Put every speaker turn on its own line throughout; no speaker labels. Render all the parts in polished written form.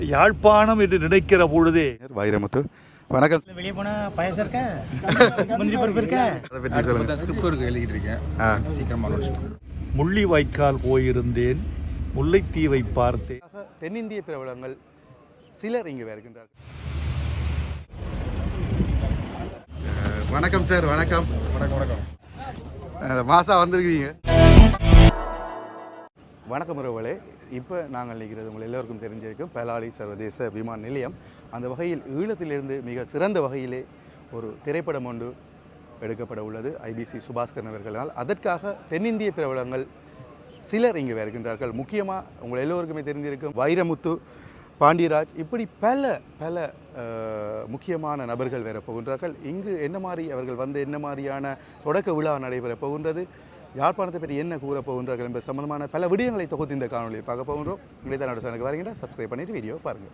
யாழ்ப்பாணம் என்று நினைக்கிற பொழுதே
வைரமுத்து வணக்கம்.
வெளியே போனா பாயசம் இருக்கா, முந்திரி பருப்பு இருக்கா,
அதை பற்றி சொல்லுங்க.
ஸ்கிரிப்ட் இருக்கு, எழுதிட்டு இருக்கேன். சீக்கிரமா
முள்ளிவாய்க்கால் போயிருந்தேன், முல்லைத்தீவை பார்த்தேன்.
தென்னிந்திய பிரபலங்கள் சிலர் இங்கே வருகின்றார்கள். வணக்கம் சார். வணக்கம். மாசா வந்திருக்கீங்க. வணக்கம் உறவுகளே. இப்போ நாங்கள் நிற்கிறது உங்கள் எல்லோருக்கும் தெரிஞ்சிருக்கும் பலாலி சர்வதேச விமான நிலையம். அந்த வகையில் ஈழத்திலிருந்து மிக சிறந்த வகையிலே ஒரு திரைப்படம் ஒன்று எடுக்கப்பட உள்ளது ஐபிசி சுபாஸ்கரன் அவர்களால். அதற்காக தென்னிந்திய பிரபலங்கள் சிலர் இங்கே வருகின்றார்கள். முக்கியமாக உங்கள் எல்லோருக்குமே தெரிஞ்சிருக்கும் வைரமுத்து, பாண்டியராஜ், இப்படி பல முக்கியமான நபர்கள் வர போகின்றார்கள். இங்கு என்ன மாதிரி அவர்கள் வந்து என்ன மாதிரியான தொடக்க விழா நடைபெறப் போகின்றது, யாழ்ப்பாணத்தை பற்றி என்ன கூற போகின்றார்கள் என்பது சம்பந்தமான பல விடயங்களை தொகுத்து இந்த காணொலியை பார்க்க போகின்றோம். உங்களை தான் நடு சேனலுக்கு வரீங்கன்னா சப்ஸ்கிரைப் பண்ணிவிட்டு வீடியோ பாருங்கள்.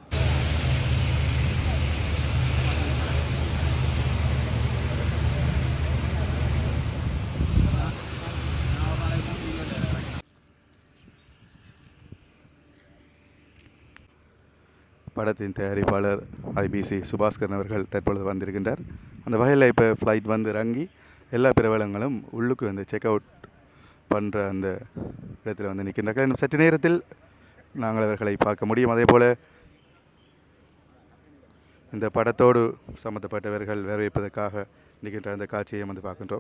படத்தின் தயாரிப்பாளர் ஐபிசி சுபாஸ்கரன் அவர்கள் தற்பொழுது வந்திருக்கின்றார். அந்த வகையில் இப்போ ஃப்ளைட் வந்து இறங்கி எல்லா பிரபலங்களும் உள்ளுக்கு வந்து செக் அவுட் பண்ணுற அந்த இடத்துல வந்து நிற்கின்றார்கள். இன்னும் சற்று நேரத்தில் நாங்கள் அவர்களை பார்க்க முடியும். அதே போல் இந்த படத்தோடு சம்மந்தப்பட்டவர்கள் வரவேற்பதற்காக நிற்கின்ற அந்த காட்சியை வந்து பார்க்கின்றோம்.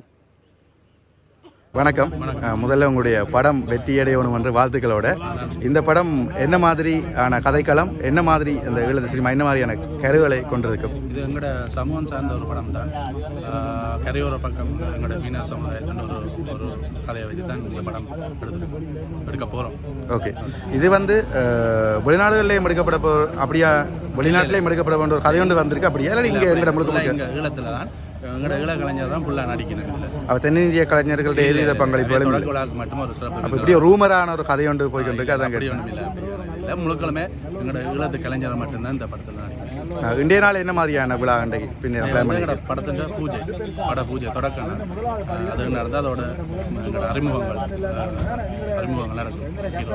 வணக்கம். முதல்ல உங்களுடைய படம் வெற்றியடையணும் என்ற வாழ்த்துக்களோட, இந்த படம் என்ன மாதிரியான கதைக்களம், என்ன மாதிரி அந்த ஈழத்து சினிமா என்ன மாதிரியான கருவிகளை கொண்டிருக்கும்?
இது எங்களோட சமூகம் சார்ந்த ஒரு படம் தான். கரையோர பக்கம் எங்களோட மீனவர் சமுதாயத்தின் ஒரு கதையை வச்சு தான் இந்த படம் எடுக்க போகிறோம்.
ஓகே. இது வந்து வெளிநாடுகளிலேயும் எடுக்கப்பட அப்படியா, வெளிநாட்டிலையும் எடுக்கப்பட வேண்டிய ஒரு கதை ஒன்று வந்திருக்கு அப்படியா, இல்லை இங்கே எங்களோட முழுக்க
ஈழத்தில் தான் எங்களோட ஈழ கலைஞர் தான் ஃபுல்லாக நடிக்கணும்.
அவர் தென்னிந்திய கலைஞர்களுடைய எதிர்த்த பங்களிப்புகளும்
மட்டும் ஒரு சிறப்பு.
அப்போ இப்படி ஒரு ரூமரான ஒரு கதை ஒன்று போய்கொண்டிருக்கு. அதான்
இல்லை, முழுக்களுமே எங்களோட ஈழத்து கலைஞரை மட்டும்தான் இந்த படத்தில் நடிக்கணும்.
இந்திய நாள் என்ன மாதிரியான விழா அன்றைக்கு
எங்களோட படத்தின் பூஜை, பட பூஜை தொடக்கம் அது நடந்தால் அதோட எங்களோட அறிமுகங்கள் நடக்கும்.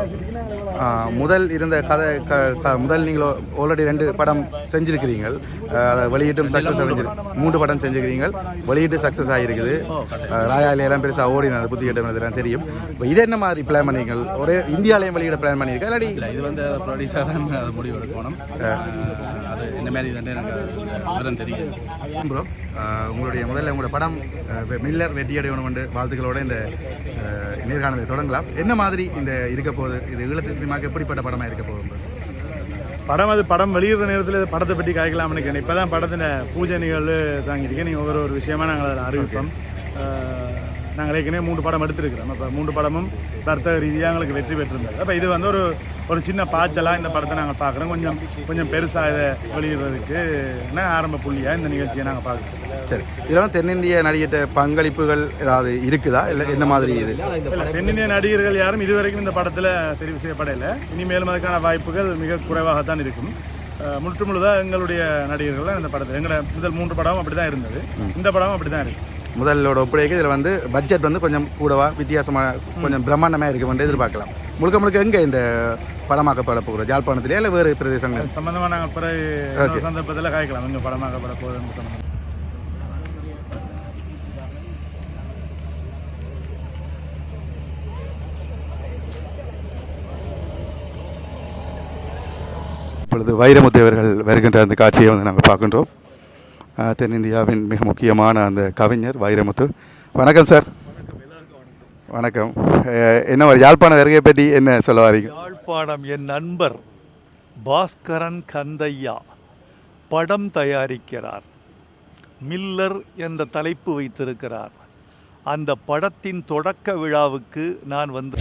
முதல் இருந்த கதை முதல் நீங்கள் ஆல்ரெடி 2 படம் செஞ்சுருக்கிறீங்கள், அதை வெளியீட்டும் சக்ஸஸ் அடைஞ்சிருக்கு. 3 படம் செஞ்சுருக்கிறீங்க, வெளியீட்டு சக்ஸஸ் ஆகிருக்குது. ராயாலியெல்லாம் பெருசாக ஓடினது, புத்தி கேட்டது இதெல்லாம் தெரியும். இப்போ இது என்ன மாதிரி பிளான் பண்ணிங்கள்? ஒரே இந்தியாவிலையும் வெளியிட பிளான் பண்ணியிருக்கா இல்லாடி?
இல்லை, இது வந்து ப்ரொடியூசர் தான் அதை முடிவு எடுக்கணும். அது என்ன மாதிரி இதுன்னு எனக்கு விவரம் தெரியாது.
ப்ரோ, உங்களுடைய முதல்ல உங்களோட படம் மில்லர் வெற்றியடையணும் என்று வாழ்த்துக்களோட இந்த நேர்காணலை தொடங்கலாம். என்ன மாதிரி இந்த இருக்க போகுது, இது ஈழத்து சினிமாவுக்கு எப்படிப்பட்ட படமாக இருக்க போகுது?
படம் வெளியிடுற நேரத்தில் படத்தை பற்றி காய்க்கலாம்னு நினைக்கிறேன். இப்போ தான் படத்தின் பூஜை நிகழ்வு தாங்கியிருக்கேன். நீங்கள் ஒரு விஷயமா நாங்கள் அதில் அறிவிப்போம். நாங்கள் ஏற்கனவே 3 படம் எடுத்துருக்கிறோம். அப்போ 3 படமும் வர்த்தக ரீதியாக எங்களுக்கு வெற்றி பெற்றிருந்தது. அப்போ இது வந்து ஒரு சின்ன பாய்ச்சலாக இந்த படத்தை நாங்கள் பார்க்குறோம். கொஞ்சம் பெருசாக இதை வெளியிடுறதுக்கு ஆரம்ப புள்ளியாக இந்த நிகழ்ச்சியை நாங்கள் பார்க்குறோம்.
சரி, இதெல்லாம் தென்னிந்திய நடிகர்கிட்ட பங்களிப்புகள் ஏதாவது இருக்குதா, இல்லை என்ன மாதிரி? இது
தென்னிந்திய நடிகர்கள் யாரும் இதுவரைக்கும் இந்த படத்தில் தெரிவு செய்யப்படலை. இனிமேலும் அதுக்கான வாய்ப்புகள் மிக குறைவாகத்தான் இருக்கும். முழுதாக எங்களுடைய நடிகர்கள் இந்த படத்தில் எங்களோட முதல் 3 படமும் அப்படி தான் இருந்தது. இந்த படமும் அப்படி தான் இருக்குது.
முதலோட ஒப்படைக்கு இதில் வந்து பட்ஜெட் வந்து கொஞ்சம் கூடவா வித்தியாசமாக கொஞ்சம் பிரம்மாண்டமாக இருக்குமென்று எதிர்பார்க்கலாம். முழுக்க எங்கே இந்த படமாக்கப்பட போகிற, யாழ்ப்பாணத்திலே இல்லை வேறு பிரதேசங்கள்
சம்பந்தமாக நாங்கள் பிறகு சந்தர்ப்பத்தில் காய்க்கலாம் எங்கள் படமாக்கப்பட போகுது சம்பந்தம்.
இப்பொழுது வைரமுத்து அவர்கள் வருகின்ற அந்த காட்சியை வந்து நாங்கள் பார்க்கின்றோம். தென்னிந்தியாவின் மிக முக்கியமான அந்த கவிஞர் வைரமுத்து. வணக்கம் சார். வணக்கம். என்ன யாழ்ப்பாணம் வருகை பற்றி என்ன சொல்ல வரீங்க?
யாழ்ப்பாணம் என் நண்பர் பாஸ்கரன் கந்தையா படம் தயாரிக்கிறார். மில்லர் என்ற தலைப்பு வைத்திருக்கிறார். அந்த படத்தின் தொடக்க விழாவுக்கு நான் வந்து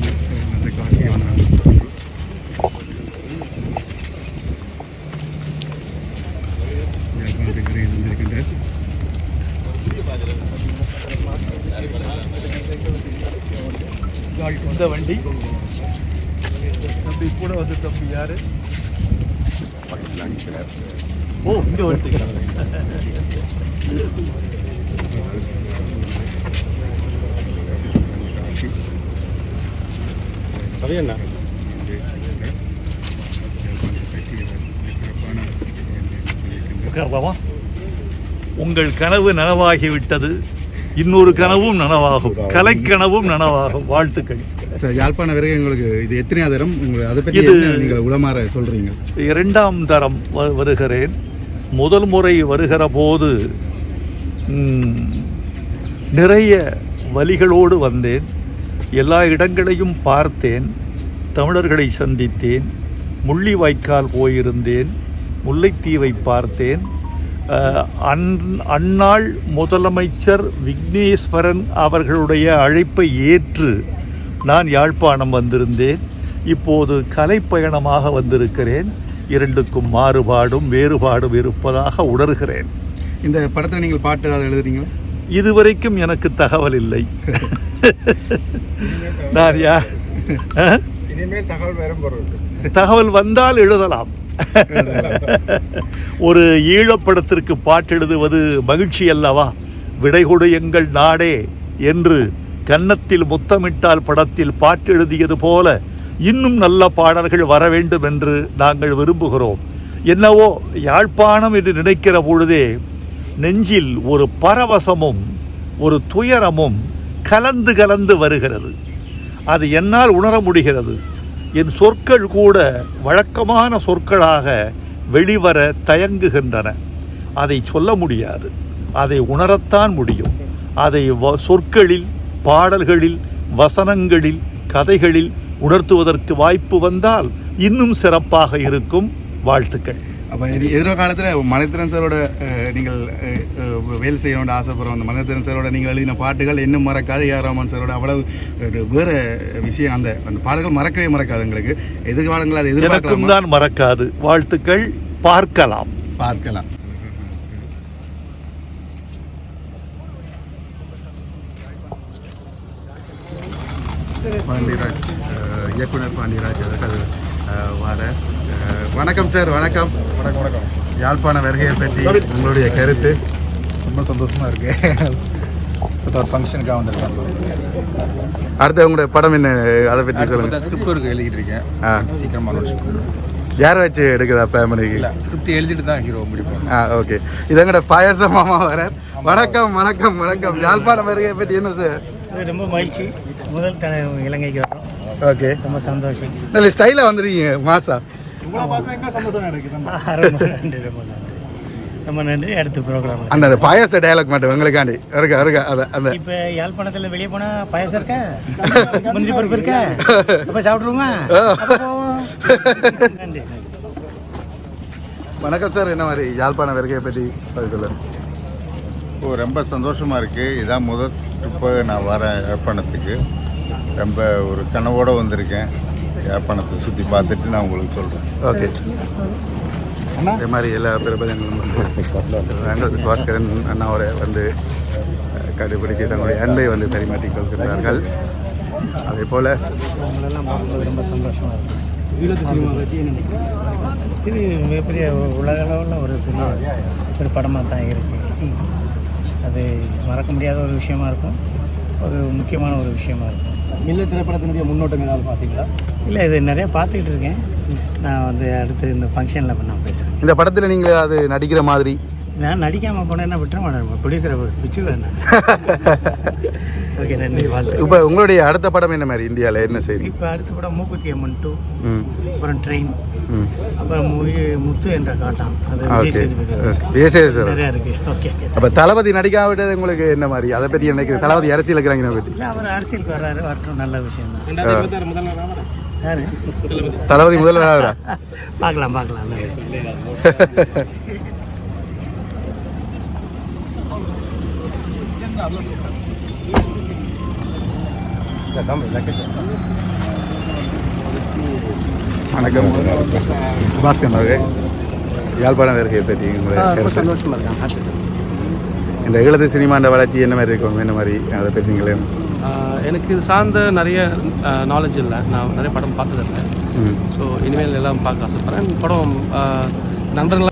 இந்த வண்டி தம்பி கூட வந்து தம்பி யாரு? ஓ, இங்க வந்துக்கிறாங்க. அது என்ன உட்காரலாமா? உங்கள் கனவு நனவாகிவிட்டது. இன்னொரு கனவும் நனவாகும், கலைக்கனவும் நனவாகும். வாழ்த்துக்கள்.
சார், யாழ்ப்பாண வருகை உங்களுக்கு இது எத்தனை தரம்? உங்களுக்கு அதை பற்றி நீங்கள் உளமாற சொல்கிறீங்க?
2ஆம் தரம் வருகிறேன். முதல் முறை வருகிற போது நிறைய வலிகளோடு வந்தேன். எல்லா இடங்களையும் பார்த்தேன், தமிழர்களை சந்தித்தேன், முள்ளிவாய்க்கால் போயிருந்தேன், முல்லைத்தீவை பார்த்தேன். அந்நாள் முதலமைச்சர் விக்னேஸ்வரன் அவர்களுடைய அழைப்பை ஏற்று நான் யாழ்ப்பாணம் வந்திருந்தேன். இப்போது கலைப்பயணமாக வந்திருக்கிறேன். இரண்டுக்கும் மாறுபாடும் வேறுபாடும் இருப்பதாக உணர்கிறேன்.
இந்த படத்தில் நீங்கள் பாட்டு ஏதாவது எழுதுறீங்களா?
இதுவரைக்கும் எனக்கு தகவல் இல்லை. நான்
இனிமேல் தகவல் வேற பொருள்
தகவல் வந்தால் எழுதலாம். ஒரு ஈழப்படத்திற்கு பாட்டு எழுதுவது மகிழ்ச்சி அல்லவா? விடைகொடு எங்கள் நாடே என்று கன்னத்தில் முத்தமிட்டால் படத்தில் பாட்டு எழுதியது போல இன்னும் நல்ல பாடல்கள் வர வேண்டும் என்று நாங்கள் விரும்புகிறோம். என்னவோ யாழ்ப்பாணம் என்று நினைக்கிற பொழுதே நெஞ்சில் ஒரு பரவசமும் ஒரு துயரமும் கலந்து கலந்து வருகிறது. அது என்னால் உணர முடிகிறது. என் சொற்கள் கூட வழக்கமான சொற்களாக வெளிவர தயங்குகின்றன. அதை சொல்ல முடியாது, அதை உணரத்தான் முடியும். அதை சொற்களில், பாடல்களில், வசனங்களில், கதைகளில் உணர்த்துவதற்கு வாய்ப்பு வந்தால் இன்னும் சிறப்பாக இருக்கும். வாழ்த்துக்கள்.
அப்போ எதிர்காலத்தில் மணித்திரன் சாரோட நீங்கள் வேலை செய்யணும்னு ஆசைப்படுறோம். அந்த மணித்திரன் சாரோட நீங்கள் எழுதின பாட்டுகள் இன்னும் மறக்காது. ஏஆர் ரஹ்மான் சாரோட அவ்வளவு வேறு விஷயம், அந்த பாடல்கள் மறக்கவே மறக்காது. எங்களுக்கு எதிர்காலங்கள் அது எதிர்பார்க்கலாம்
தான் மறக்காது. வாழ்த்துக்கள். பார்க்கலாம்.
பாண்டியராஜ், இயக்குனர் பாண்டியராஜ் அவர்கள் வார. வணக்கம் சார். வணக்கம். யாழ்ப்பாண வருகையை பற்றி உங்களுடைய கருத்து?
ரொம்ப சந்தோஷமாக இருக்குது. ஒரு ஃபங்க்ஷனுக்காக வந்திருக்கேன்.
அடுத்து உங்களுடைய படம் என்ன, அதை பற்றி சொல்லுங்கள்.
ஸ்கிரிப்ட் ஒர்க் எழுதிட்டு இருக்கேன். சீக்கிரமாக அனௌன்ஸ் பண்ணுறேன்.
யாரை வச்சு எடுக்குதா ஃபேமிலிக்கு?
இல்லை, ஸ்கிரிப்ட் எழுதிட்டு தான் ஹீரோ முடிப்போம்.
ஓகே. இது எங்கட பாயச மாமா வர. வணக்கம் வணக்கம் வணக்கம். யாழ்ப்பாண வருகையை பற்றி என்ன சார்?
ரொம்ப மகிழ்ச்சி. முதல் இலங்கைக்கு வரோம்.
ஓகே,
ரொம்ப சந்தோஷம்.
நல்ல ஸ்டைலாக வந்துருக்கீங்க மாசா.
ரொம்ப நன்றி. அடுத்த ப்ரோக்ராம்
அந்த பாயாச டயலாக் மட்டும் எங்களுக்காண்டி இருக்கா அந்த
இப்போ யாழ்ப்பாணத்தில் வெளியே போனால் பாயாசம் இருக்கா, முந்திரி பருப்பு இருக்கா, அப்போ சாப்பிட்ருவோமா? நன்றி.
வணக்கம் சார். என்ன மாதிரி யாழ்ப்பாண வருகையை பற்றி சொல்லுங்கள்.
ரொம்ப சந்தோஷமாக இருக்குது. இதான் முதல் ட்ரிப்பு நான் வரேன் யாழ்ப்பாணத்துக்கு. ரொம்ப ஒரு கனவோடு வந்திருக்கேன். யாழ்ப்பாணத்தை சுற்றி பார்த்துட்டு நான் உங்களுக்கு சொல்கிறேன்.
ஓகே. இதே மாதிரி எல்லா பிரபலங்களும் வந்து சுபாஸ்கரன் அண்ணாவோட வந்து கண்டுபிடித்து தங்களுடைய அன்பை வந்து பரிமாற்றிக் கொள்கிறார்கள். அதே போல்
உங்களெல்லாம் பார்க்கும்போது ரொம்ப சந்தோஷமாக இருக்குது. ஈழத்து சினிமா பற்றி இது மிகப்பெரிய உலக அளவில் ஒரு படமாக தான் இருக்குது. அது மறக்க முடியாத ஒரு விஷயமா இருக்கும், ஒரு முக்கியமான ஒரு விஷயமா இருக்கும்.
மில்ல திரைப்படத்தினுடைய முன்னோட்டம் ஏதாவது பார்த்தீங்களா?
இல்லை, இது நிறையா பார்த்துக்கிட்டு இருக்கேன். நான் வந்து அடுத்து இந்த ஃபங்க்ஷனில் நான் பேசுகிறேன்.
இந்த படத்தில் நீங்கள் அது நடிக்கிற மாதிரி
நான் நடிக்காமல் போனேன்னா விட்டுற மாட்டேன். ப்ரொடியூசரை பிடிச்சிருவேன் நான். ஓகே, நன்றி. வாழ்த்து.
இப்போ உங்களுடைய அடுத்த படம் என்ன மாதிரி இந்தியாவில் என்ன செய்யுது?
இப்போ அடுத்த படம் மூக்குத்தி அம்மன் 2, அப்புறம் ட்ரெயின், அப்புறம் முத்து என்ற காட்டான். அது
விஜய் சேதுபதி
நிறையா இருக்குது. ஓகே.
அப்போ தளபதி நடிக்காவிட்டது உங்களுக்கு என்ன மாதிரி? அதை பற்றி எனக்கு தளபதி அரசியல் இருக்கிறாங்க பற்றி.
இல்லை, அவர் அரசியலுக்கு வர்றாரு, வரட்டும், நல்ல விஷயம் தான். யாரு
தளபதி முதல்வர்?
பார்க்கலாம்.
வணக்கம் பாஸ்கர் அவர்கள். யாழ்ப்பாண வருகையை பற்றி
சந்தோஷமாக இருக்கேன்.
இந்த ஈழத்து சினிமாண்ட வளர்ச்சி என்ன மாதிரி இருக்கும், என்ன மாதிரி அதை பற்றி நீங்களே?
எனக்கு இது சார்ந்த நிறைய நாலேஜ் இல்லை. நான் நிறைய படம் பார்த்ததில்லை. ஸோ இனிமேல் எல்லாம் பார்க்க ஆசைப்பட்றேன். படம் நண்பர்களாக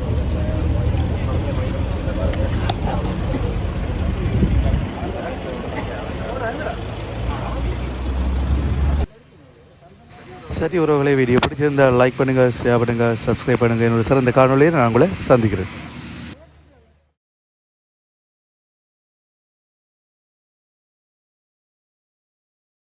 சரி உறவுகளை, வீடியோ பிடிச்சிருந்தால் லைக் பண்ணுங்கள், ஷேர் பண்ணுங்கள், சப்ஸ்கிரைப் பண்ணுங்கள். என்னோட சிறந்த காணொலியை நான் உங்களை சந்திக்கிறேன்.